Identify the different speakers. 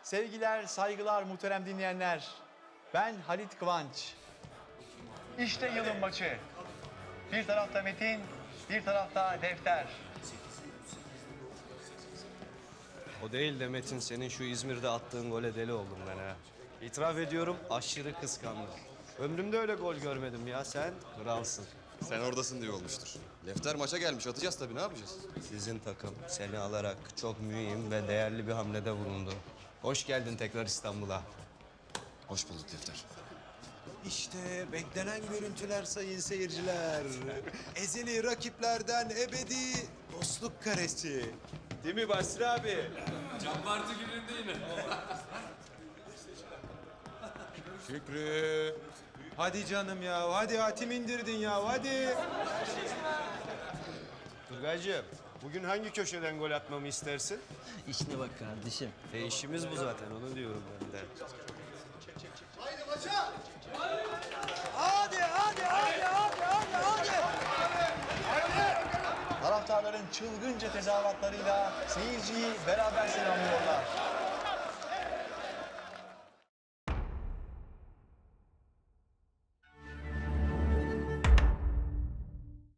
Speaker 1: Sevgiler, saygılar muhterem dinleyenler. Ben Halit Kıvanç. İşte yılın maçı. Bir tarafta Metin, bir tarafta Defter.
Speaker 2: O değil de Metin, senin şu İzmir'de attığın gole deli oldum ben ha. İtiraf ediyorum, aşırı kıskandım. Ömrümde öyle gol görmedim ya, sen kralsın.
Speaker 3: Sen oradasın diye olmuştur. Lefter maça gelmiş. Atacağız tabii. Ne yapacağız?
Speaker 2: Sizin takım seni alarak çok mühim ve değerli bir hamlede bulundu. Hoş geldin tekrar İstanbul'a.
Speaker 3: Hoş bulduk Lefter.
Speaker 4: İşte beklenen görüntüler sayın seyirciler. Ezeli rakiplerden ebedi dostluk karesi. Değil mi Basri abi?
Speaker 5: Can Bartu gününde yine.
Speaker 4: Şükrü. Hadi canım ya. Hadi hatim indirdin ya. Hadi.
Speaker 2: Turgaycığım, bugün hangi köşeden gol atmamı istersin?
Speaker 6: İşine bak kardeşim.
Speaker 2: İşimiz bu zaten, onu diyorum ben de.
Speaker 1: Taraftarların çılgınca tezahüratlarıyla seyirciyi beraber selamlıyorlar.